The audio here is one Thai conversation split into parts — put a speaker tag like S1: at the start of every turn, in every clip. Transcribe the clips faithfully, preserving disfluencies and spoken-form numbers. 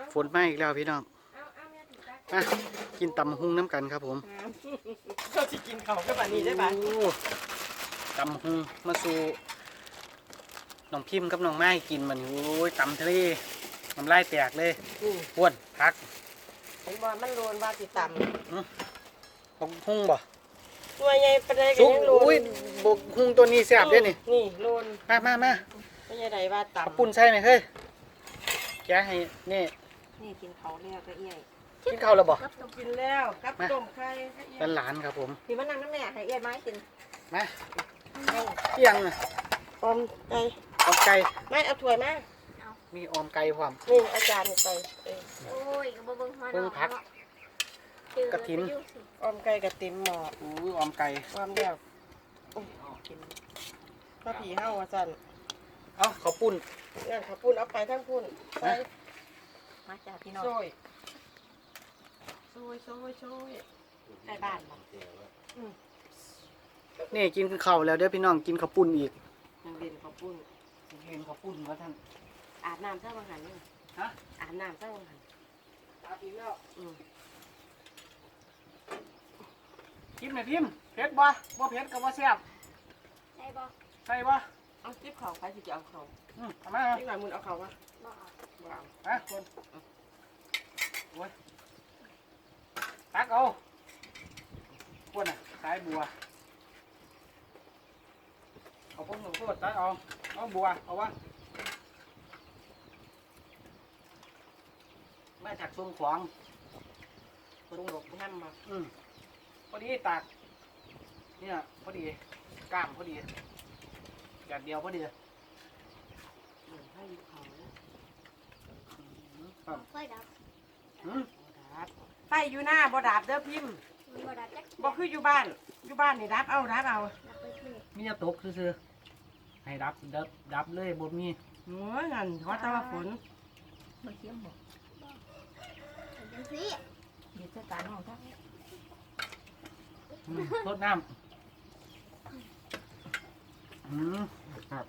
S1: ฝนมาอีกแล้วพี่น้องมากินตำหุ้งน้ำกันครับผม
S2: เขาจะกินเขาก็แบบนี้ได้ปะ
S1: โอ้ตำหุ้งมาสู่น้องพิมพ์กับน้องไม้กินมันโอ้ยตำทะเลน้ำลายแตกเลยอ้วนพัก
S2: เห็นบอลมันโลนว่าติดต่ำ
S1: บกหุ้งบ่
S2: ตัวใหญ่ประเดี๋ยว
S1: ซุก
S2: ยังโล
S1: อุ้ย
S2: น
S1: บกหุ้งตัวนี้แซ่บเด้นี่
S2: นี่โลน
S1: มามามา
S2: ไม่ใช่ใดว่า
S1: เอา
S2: ต่ำ
S1: ปุ่นใส่หน่อยเฮ้ยแกะให้นี่
S2: นี่กินเขาแล้วก็เอี้ย
S1: กินข้าวแล้วบ่
S2: กับกินแล้วกับต้มไข่
S1: เป็นหลานครับผม
S2: พี่มันนั่งน้ำแน่ให้เอี้ยไม้กิน
S1: มาเที่ยงน่ะ
S2: อมไก่
S1: ออมไก่
S2: ไม่เอาถ้วยมา
S1: มีออมไก่พร้อม
S2: นี่อาจารย์ไปเออ
S3: โอ้ยก็บ่เบิ่งฮอด
S1: เบิ่งผักกระถิน
S2: อมไก่กับติมหมอ
S1: อู้ออมไก่
S2: ความเดียวโอ้ยกินข้าวผีเห่าอาจารย์
S1: เอ้าข้าวปุ้น
S2: งั้นข้าวปุ้นเอาไปทั้งปุ้นไป
S3: มาจากพี่น้อง
S2: โซ่ยโซ่ยโซ่ยโซ่ยใกล้บ้านมัน
S1: นี่กินข้าวแล้วเด้อพี่น้องกินข้าวปุ้นอีก
S2: ยังเด่นข้าวปุ้น
S1: เห็นข้าวปุ้นว่าท่าน
S2: อาบน้ำเจ้าบังหันนี่
S1: ฮะ
S2: อาบน้ำเจ้าบังหัน
S1: อาบอีกแล้ว
S2: อืม
S1: กินไหมพิมพ์เผ็ดบ่บ่เผ็ดก็บ่แซ่บ
S3: ใช่บ่
S1: ใส่บ่
S2: เอาจิ๊บเขาไปสิจะเอาเขา
S1: อืมเอามา
S2: ที่ไหนมึงเอาเขาวะ
S3: บ่เอา
S2: บ่เอา
S1: ไปคนโอ้ยตักเอาคนน่ะสายบัวเอาพวกหนูโทษตักเอาเอาบัวเอาวะมาจากทรงขวาง
S2: คนหลบน้ำมา
S1: อืมพอดีตากเนี่ยพอดีกล้ามพอดีแบบเดียวพอดี
S2: เหมือนให้อยู่เขา
S1: ครับ
S3: ค่อยดับ
S1: อืม
S2: บ่ดับไฟอยู่หน้าบ่ดับเด้อพิมพ์
S3: มันบ่ดับจัก
S2: บ่คืออยู่บ้านอยู่บ้านนี่ดับเอาดับเอา
S3: ดับไปคือ
S1: มีจะตกซื่อๆให้ดับดับดับเลยบ่มี
S2: โอ้ยงั้นขอแต่ว่าฝน
S4: มันเคี้ยวหมด
S3: จังซี่
S4: มีเจ้าการห้องทั้ง
S1: อืมรดน้ำอืมครับ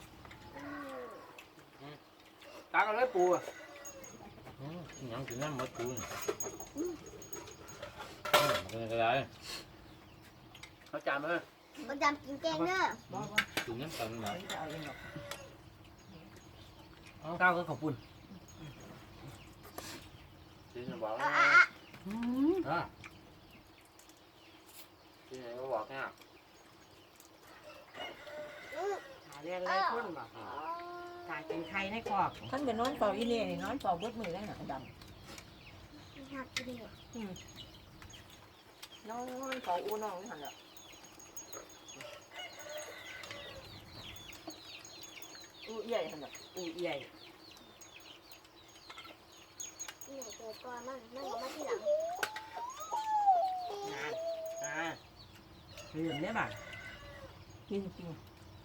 S1: ตักเอาเลยปูอะ
S5: อืมกินหยังกินน้ำหมดกูนอืมเป็นอะไร
S1: เขาจานมาเลย
S3: บ่จำกินแกงเด้อ
S2: บ่บ่
S5: กินน้ำกันหน่อย
S2: จะเอาเองหรอก
S1: ก้าวก็ขอบคุณ
S5: กินจะบอก
S3: อ่ะ
S5: นะ
S3: อ่ะอ่ะ
S1: อืม
S5: อ่ะกินอะไรก็บอกเนี่ย
S2: หาเรื่องอะไรคนบ่กายกินไข่ในคอก
S4: ท่านเป็นนอนเฝ้าอีเล่นี่นอนเฝ้าเบิดมือได้หนักด
S3: หักเด้อ
S4: ำนอนเฝ้าอูน้องนี่หันละ
S2: อู้ใหญ่ขนาดอู้ใหญ่
S3: นี่เกิดก่อนมันมันก็มาทีหลัง
S2: งานอ่าเห็นได้ป่ะ
S4: กินจริง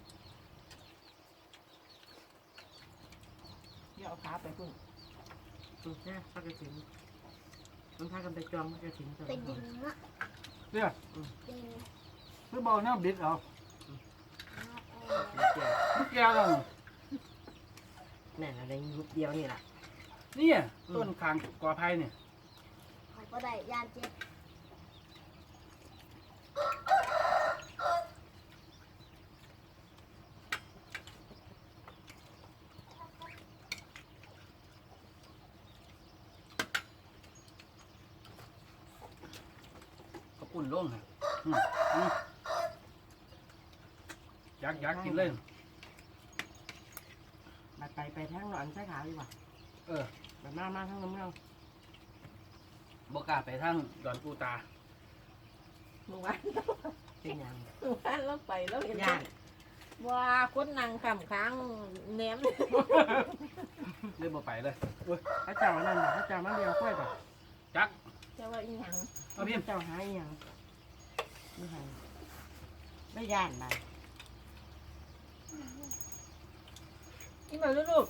S4: เดี๋ยวเอาขาไปพุ่น
S2: ถูกแค่พักกระถิ่นมันพากันไปจองพักกระถิ่นตัว
S3: เป็นดินเนาะ
S1: เดี๋ยว
S3: ดิน
S1: คือบอลเนี่ยบิดเอา
S3: เออ
S1: ลูกแก้วต้อง
S2: แม่อะไรยุบเดียวนี่แหละ
S1: นี่ต้นคางกอไผ่เนี่ย
S3: เขาบ่ได้ยานเจ็บ
S1: กระปุ่นลงฮะอืมอืมอยากอยากกินเลย
S2: มาไปไปทางหนอนใช้ขาวดีกว่า
S1: เออ
S2: แบบมามาทางน้ำเงา
S1: บอกกล้าไปทางดอนปูตา
S4: เมื่อวาน
S2: เป็นยัง
S4: เมื่อวานเราไปแล้วเห็น
S2: ย่าน
S4: ว่าคนนั่งคำค้างแหนม
S1: เลยบ่ไปเลย
S2: พระเจ้านั่นพระเจ้ามาเดียวค่อยป่ะ
S1: จัก
S4: แต่ว่าอีหยัง
S1: เอาพิมพ์
S2: เจ้าหายยังไม่หายไม่ย่านมา
S4: กินมาลูก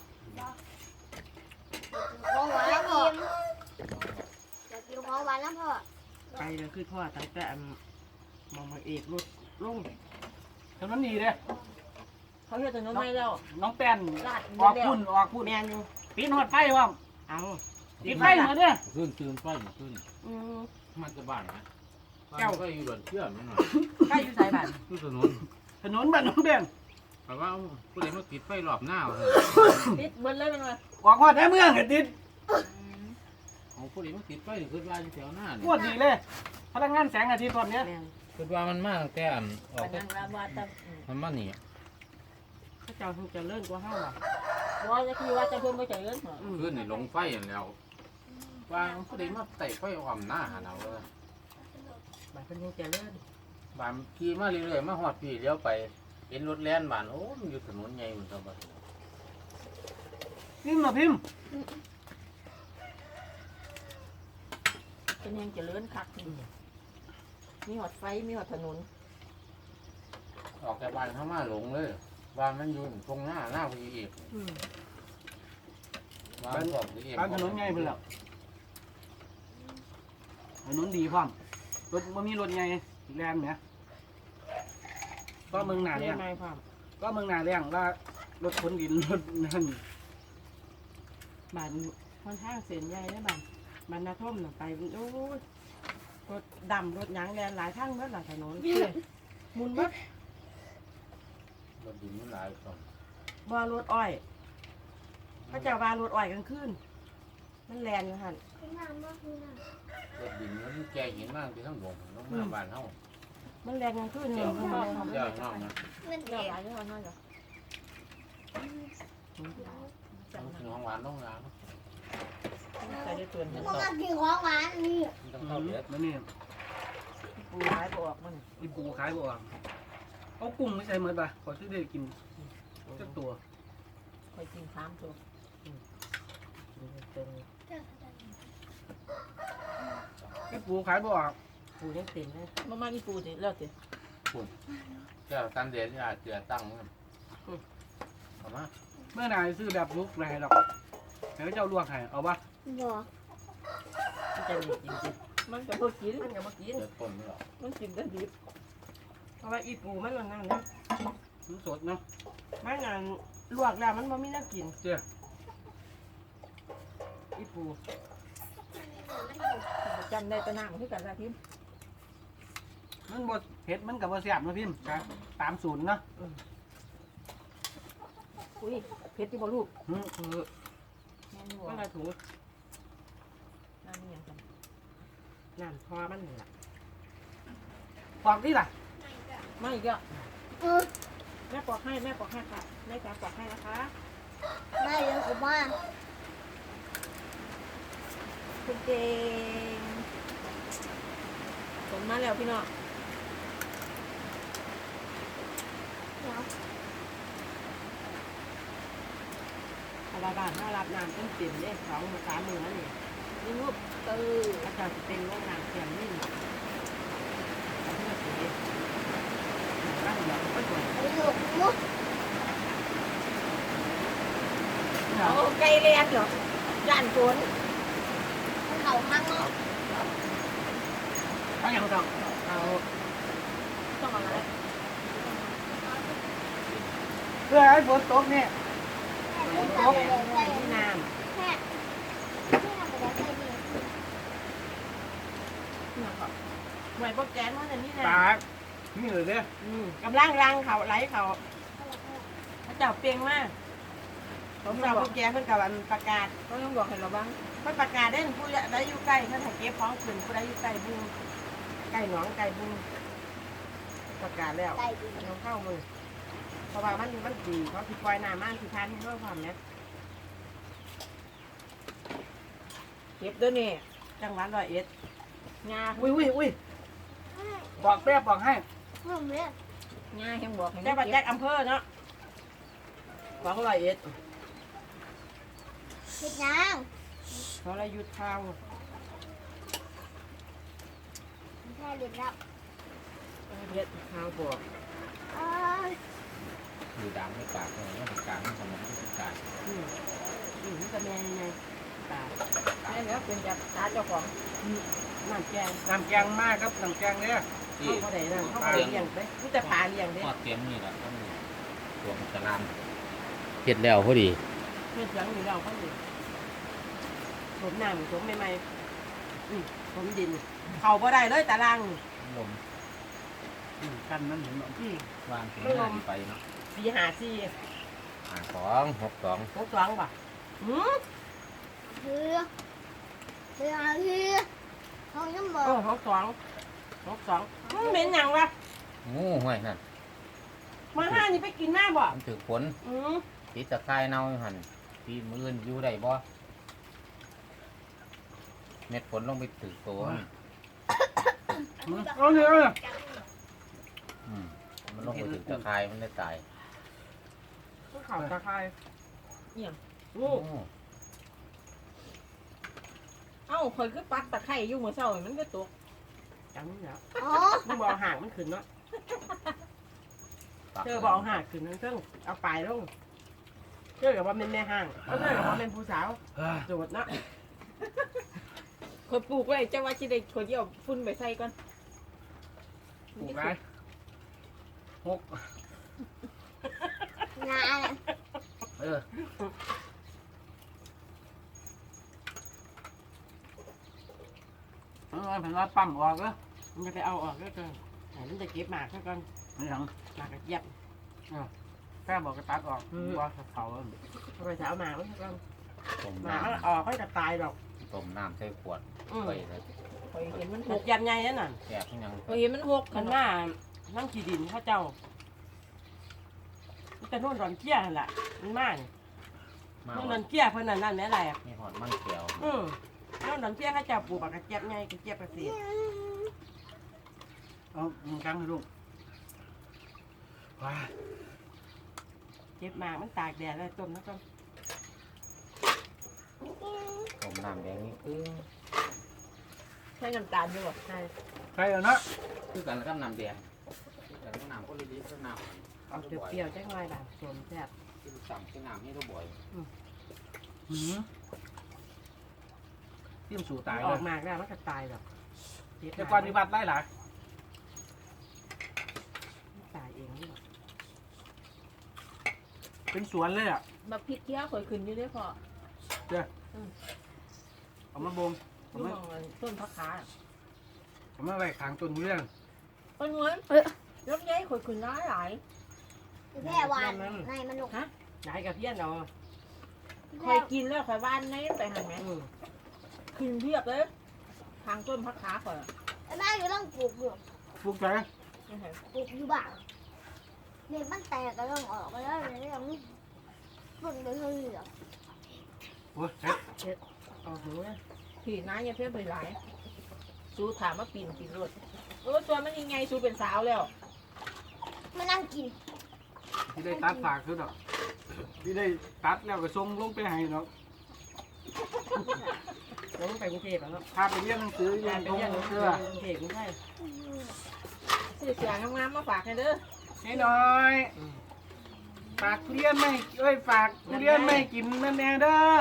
S3: ของหวานแล้วพ่ออยากกินของหวานแล้วพ่อ
S2: ไปเลยคือพ่อตั้งแต่มองมาเอกรถลง
S1: ถนนดีเลย
S4: ๆเขาเฮ็ดถนนให้แล้ว
S1: น้องแป้น
S4: ลาด
S1: ออกพุ่นออกพุ่น
S2: แมนอยู่
S1: ปีนหอดไฟว่ะ
S2: เอา
S1: ติดไฟเหมือนเนี่ย
S5: ขึ้นตื่นไฟมาขึ้น
S2: อืม
S5: มันจะบ้านนะบ้านก็อยู่ดอนเชื่อมนั่นน่ะ
S2: ใกล้อยู่สายบ้าน
S5: อยู่ถนน
S1: ถนนบ้านน้องแดง
S5: แต่ว่าผู้ใดมาติดไฟรอบหน้าเหรอ
S4: ติดเบิดเลยมันว่า
S1: ออกมาแท้เมืองเห็นติด
S5: ของผู้ใดมาติดไฟคือว่าอยู่แถวหน้า
S1: ป
S5: เนี่
S1: วย ดดีเลยพลังงานแสงอาทิตย์ตอนเนี้ย
S2: แม่น
S5: คือว่ามันมาตั้งแต่อันออก
S4: ปนังลาบาตะ
S5: มันมานี่
S2: เขาเจ้าคงจะเลิ่นกว่าเฮาล่ะ
S4: ว่าจะคือว่าจะเพิ่มไม่ใจเงินเหรอ
S2: อืม
S5: ขึ้นในลงไฟอย่างแล้วว่าผู้ใดมาเตะไฟอ่อมหน้าหาเราเลย
S2: บาดเพิ่นคงจะเลิ่น
S5: บ้านขี่มาเรื่อยๆมาหอดพี่เลี้ยวไปเห็นรถแล่นบ้านโอ้มันอยู่ถนนใหญ่เหมือนกัน
S1: พิมพ์มาพิมพ์
S4: เป็นยังจะเลื่อนคักมีหอดไฟมีหอดถนน
S5: ออกจากบ้านเข้ามาหลงเลยบ้านมันอยู่ตรงหน้าหน้าพี่เอก
S2: อืม
S5: บ้านของพี่เอก
S1: บ้านถนนไงเพิ่นแล้วถนนดีพร้อมรถบ่มีรถไงแรงเนี่ยก็เมืองหนา
S2: เรี
S1: เนี่ย ย
S2: นไม่พร้อม
S1: ก็เมืองหนาเรียงว่ารถขนดินรถนั่น
S2: บ้านค่อนข้างเส้นใหญ่นะบ้านบ้านนาท่มน่ะไปโอ้ยรถดำรถหยางแลนหลายทางเบิดหลายถนนมุนเบิด
S5: รถดินมันหลายคน
S2: บ่รถอ้อยเขาเจ้าว่ารถอ้อยกลางคืนมันแลนอยู่หั่น
S3: เป็นน้ำบ่คือน้
S5: รถดินมันแก่หินมากที่ทั้งหมดน้องมาบ้านเฮา
S2: มันแลนกลางคืน
S5: เจ้า
S2: เนี่ย
S5: น้องเจ้าน้องนะ
S3: ำมัน
S4: เดี๋
S3: เด็
S4: ยว
S3: ก
S4: หลายที่เขาหน่อยเหรอ
S5: ต้องกินของหวานต้องงาน
S4: ใส่ได้ตัวนึง
S3: มันก็กินของหวานนี่
S5: ต้องเข้าเด็ด
S1: แล้วนี่
S2: ปูหายบ่ออกมัน
S1: อีปูขายบ่ออกเอากุ้งไม่ใช่เหมือนปะขอซื้อได้กินสักตัว
S4: คอยกินสามตัว
S1: อีปูขายบ่ออก
S2: ปูยังเต็มเลย
S4: มามาที่ปูสิแล้วสิ
S5: เจ้าตันเดียอาจจะตั้งเอามา
S1: เมื่อนายซื้อแบบลุกไรหรอกเดี๋ยวเจ้าลวกให้เอาปะ
S3: บ่
S2: มันจะมีจริง
S4: มันก็บ่กิน
S2: ๆมันก็บ่กิน
S5: เด็ดต้นไม่หรอก
S4: มันกินแต่ดิบ
S2: เพราะว่าอีปูมันนั่นนั่นนะ
S1: มันสดเนาะ
S2: มันนั่นลวกแล้วมันบ่มีน้ำกิน
S1: เจ้า
S2: อีปู
S4: จำได้แตะน้ำคือกันละทิม
S1: มันบดเผ็ดมันกับบ่แซ่บเนาะพิมพ์ครับตามศูนย์เนาะ
S4: อุ้ยเพชรที่บ่ลูก
S1: อืม
S2: เออ
S4: แม่นบ่
S2: มันละถู
S4: น้ำนี่ยังกัน
S2: น้ำพอมันนี่ล่ะ
S1: ปอกที่ล่ะ
S4: ไม่ก็
S3: เออ
S4: แม่ปอกให้แม่ปอกให้ค่ะแม่จ๋าปอกให้นะคะ
S3: ไม่เดี๋ยวกูมา
S4: คุณเก่งผลมาแล้วพี่น้อง
S3: เดี๋ยว
S2: เอาละบ้านถ้ารับน้ำเต็มเต็มๆเนี่ยสองสามมือนั่นนี่
S4: นี่ลูกเออ
S2: อาจารย์จะเป็นโรงงานเขียนนี่เอาเพื่อสีร่างเดียวก็สวย
S3: ไปอยู่มุก
S4: เอาไก่เลียนเหรอย่านฝน
S3: เขาข้างนอก
S1: ทั้งอย่างต้อง
S2: เอา
S4: ต้องเอาอะไร
S1: เพื่อให้ฝนตกเนี่ย
S3: แม่ต้องไปเลยไป
S2: ที่น้
S3: แม่แม่ไปเลยไปนี่
S2: ำหน่วยโปรแกรมว่าจะนี่
S1: ตา
S2: นะ
S1: นี่เลยเด้อ
S2: อืมกำลังรังเขาไหลเขาพระเจ้าเปลียงมาก
S4: เขา
S2: พระ
S4: ไม่
S2: เจ้า
S4: บ
S2: โป
S4: อก
S2: รแกรมเพิ่นกับอันประกาศ
S4: เขาต้องบอกให้เราบ้าง
S2: เพิ่นประกาศได้ผู้ใดอยู่ใกล้เพิ่นให้เก็บของขึ้นผู้ใดอยู่ใกล้บุงใกล้หนองใกล้บุงประกาศแล้ว
S3: ได้ดี
S2: เอาเข้ามือเพราะว่ามันมันดีเขาสิปล่อยน้ำมันสิทานให้ด้วยความเนี้ย
S4: เก็บด้วยนี่
S2: จังหวัดร้อยเอ็ด
S4: งา
S1: อุ้ยอุ้ยอุ้ยบอกแป๊บบอกให้
S3: ผมเนี่ย
S4: งายังบอกให้
S2: แจ้งปัจ
S4: เก็
S2: แจ้
S4: บ
S2: งอำเภอเนาะของร้อยเอ็ด
S3: เฮ็ดยัง
S2: เขาเลยหยุดข้าว
S3: แค่เด็กแล้ว
S2: เฮ็ดข้าวบวก
S3: เอ้ย
S5: อยู่ดำไม่ปากเลยไม่ปากไม่ทำมันไม่ปาก
S2: อืมอืมมันจะแม่ยังไงตา
S4: ใช่แล้วเป็นจากตาเจ้าของ
S2: น้ำแกง
S1: น้ำแกงมากครับน้ำแกงเนี่ย
S5: ที่
S2: เขาเขาได้นั่นเขาเขาได้เลี้ยงไปมันจะปลาเลี้ยงเด้
S5: ทอดเต็มนี่แหละต้องตัวมันจะลามเห็ดแล้วพอดี
S2: เฮ็ดหยังอยู่เราเขาอยู่ผมน้ำผมใหม่ๆอืมผมดินเขาบ่ได้เลยตาราง
S5: ลม
S1: อืมกันมันเห็นบ่
S2: อืม
S5: วางถึงหน้าดีไปเนาะ
S2: สี่หาสี่
S5: หาสองหกสอง
S2: หกสองป่ะอืม
S3: คือคือคือเขายังบอ
S2: โอ้
S3: ก
S2: หกสองหกสองอืมเหม็นหยังวะ
S5: งูห้วยนั่น
S2: มาห้านี่ไปกินหน้าบ่
S5: มันถือฝน
S2: อืม
S5: ติดตะไคร้เน่าอยู่หันที่มืออื่นอยู่ได้บ่เม็ดฝนลงไปถือตัวมัน
S1: อืมเอาเลยเอาเลย
S5: อืมมันลงไปถือตะไคร้มันได้ตาย
S2: ข่าวตะไคร้
S4: เนี่ย
S2: โอ้
S5: โอ้
S4: เอ้าคอยคือปักตะไคร้อยู่เมื่อเช้ามันก็ตก
S2: จังนี่แล้ว
S3: อ๋อ
S2: มึงบอกห่างมันขึ้นเนาะ
S5: ปัก
S2: เธอบอกเอาห่างขึ้นนั่นเครื่องเอาปลายลงเธอกับว่าเป็นแม่ห่างเอาเธอกับว่าเป็นผู้สาว
S1: เอ้ย
S2: โจดเนาะ
S4: คอยปลูกไว้เจ้าว่าสิได้คอยสิเอาฝุ่นไปใส่ก่อน
S1: ปลูกไปหก
S3: งาน
S1: เออเอาไว้ผมว่าปั๊มออกแล้ว
S2: มันจะไปเอาออกก็เกินแต่มันจะเก็บหมากซะก่อน
S1: นี่หลัง
S2: หมากกระเจี๊ยบ
S1: แค่บอกกระตัดออก
S2: อืม
S1: ว่าเขาเอา
S2: เอาไปจะเอาหมากมันซะก่อน
S5: ต้ม
S2: หมาก
S5: น้
S2: มันออกก็จะตายดอก
S5: ำต้มน้ำใส่ขวด
S2: อืม
S5: ไปเลย
S4: คอยเห็นมันห
S2: ห
S4: ก
S2: กยันใหญ่นั่นน่ะ
S5: แยกยัง
S4: คอยเห็นมันหก
S2: มันหน้าน้ำขี้ดินเข้าเจ้ามันจะโน่นดอนเกี้ยนั่นแหละมันมาก
S5: มา
S2: โน่น
S5: วั
S2: ดอน นเกี้ยเพิ่นนั่นนั่นแม่ไร
S5: นี่หอดมันเขียว
S2: อืมโน่นดอนเกี้ยเข้าเจ้าปลูกบักกระเจี๊ยบไงกระเจี๊ยบกระเสีย
S1: เอามึงกังให้ลูกว้า
S2: เก็บหมากมันตากแดดแล้วต้มแล้วก็
S5: ต้มน้ำแดงนี่คือ
S4: ใส่น้ำตาลด้วยบ่
S2: ใช่
S1: ใครเอาเนาะ
S5: คือกันกับน้ำแดงคือกันกับน้ำก็ลิลิคือน้ำ
S2: เอาเปรี้ยวๆจังหน่อยล่ะสมแซ่บ
S5: คือสั่งคือน้ำให้ตัวบ่อย
S1: หืมเตรียมสู่ตาย
S2: อ
S1: เล
S2: อย กมากแล้วมันก็ตายดอกเก็บห
S1: แต่
S2: มาก
S1: ก่อนวิบัติไล่หลาย
S2: มันตายเองนี่หรอก
S1: เป็นสวนเลยอ่ะ
S4: มาพริกเกี้ยวคอยขึ้นอยู่เด้อพ่อ
S1: เอามาบ่ม
S4: อ
S1: เอา
S4: ยู่
S1: มา
S4: หม้องต้นผักขา
S1: เอามาไว้ขางต้นทุเรียน
S4: ต้นเงินรถใหญ่คอยขึ้นหลายหลาย
S3: แค่วานในมันหนุก
S2: ย้ายกับเพี้ยนเอา
S4: คอยกินแล้วคอยว่านในไปหันไหม
S2: อืม
S4: ขึ้นเพียบเลยทางต้นผักขาคอย
S3: แม่ก็ต้องปลูกอยู่
S1: ปลูกใจ
S4: นี่ไง
S3: ปลูกอยู่บ้างเนี่ยมันแตกก็ต้องออกไปแล้วเนี่ยยังต้นไปเรื่อย
S1: โอ้ยเฮ็ด
S2: เอาหูนะ
S4: ผีน้าอย่าเพี้ยนไปหลายสู้ถามว่าปีนปีนรถเออตัวมันยังไงสู้เป็นสาวแล้ว
S3: มานั่งกิน
S1: ที่ได้ตัดฝากคือดอกที่ได้ตัดแล้วก็ส่งลงไปให้ดอก
S2: ลงไปกรุงเทพแล้วเนาะ
S1: พาไปเรียนหนังสือเรีย
S2: กาน รไป
S1: ตรง
S2: เรียน
S1: เสื้อ
S2: กรุงเทพไม่ใช่
S4: ซื้อเสียงามๆมาฝากให้เด้อ
S1: ให้น้อยฝากทุเรียนไม่เอ้ยฝากทุเรียนไม่กินนั่นแน่เด้อ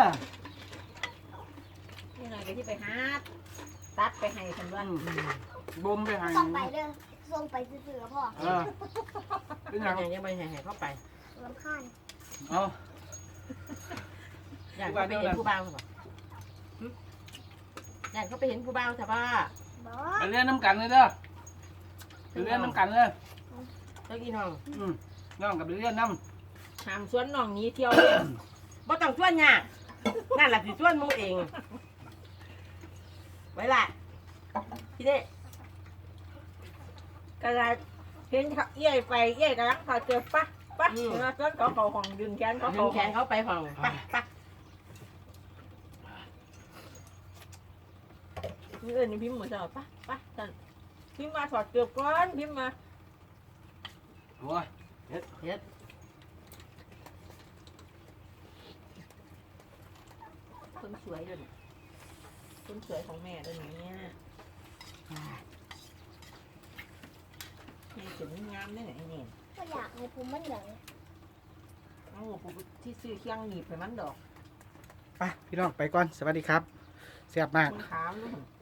S4: ยังไงก็ที่ไปหาตัดไปให้คันว่า
S1: อืมบ่มไปให้
S3: ส่งไปเด้อส่งไปซื้อๆพ่อ
S1: เออเป็นห
S2: ยั
S1: ยัง ง
S2: ยังไม่ให้เข้าไป
S3: รำคาญ
S1: เอา
S2: อยากเขาไปเห็นผู้บ่าวใช่ปะหึอยากเขาไปเห็นผู้บ่าวใช่ปะ
S3: บอ
S1: ไปเรียนน้ำกันเลยเด้อไปเรียนน้ำกันเลย
S2: เจ้าอีน้อง
S1: อืมน้องกับไปเรียนน้
S4: หามสวนน้องหนี้เที่ยวเลย
S2: บ่ต้องชวนยากนั่นแหละสิชวนหมูเอง ไว้ละพี่เด้
S4: กระไรเห็นเขาเอี้ยไปเอี้ยกำลังพาเจอปะปะแล้วก็เขาเขาของดึงแขนเขา
S2: ดึ
S4: เขา
S2: งแขนเขาไปห้องปะปะ
S4: เออนี่พิมพ์เหมือนจะปะปะสันพิมพ์มาถอดเกือบก่อนพิมพ์มา
S1: ำโอ้ย
S2: เฮ็ดเฮ็ด
S4: คนสวยด้วยเนี่ยคนสวยของแม่ด้วยเนี่ยนี่ถึงงามได้ไหนเนี่ย
S3: ก็อยากให้ผมมันเหลือง
S4: เอาผมที่ซื้อเคียงหนีบไปมันดอก
S1: ไปพี่น้องไปก่อนสวัสดีครับเสียบมาก
S4: คุณขาวนู่น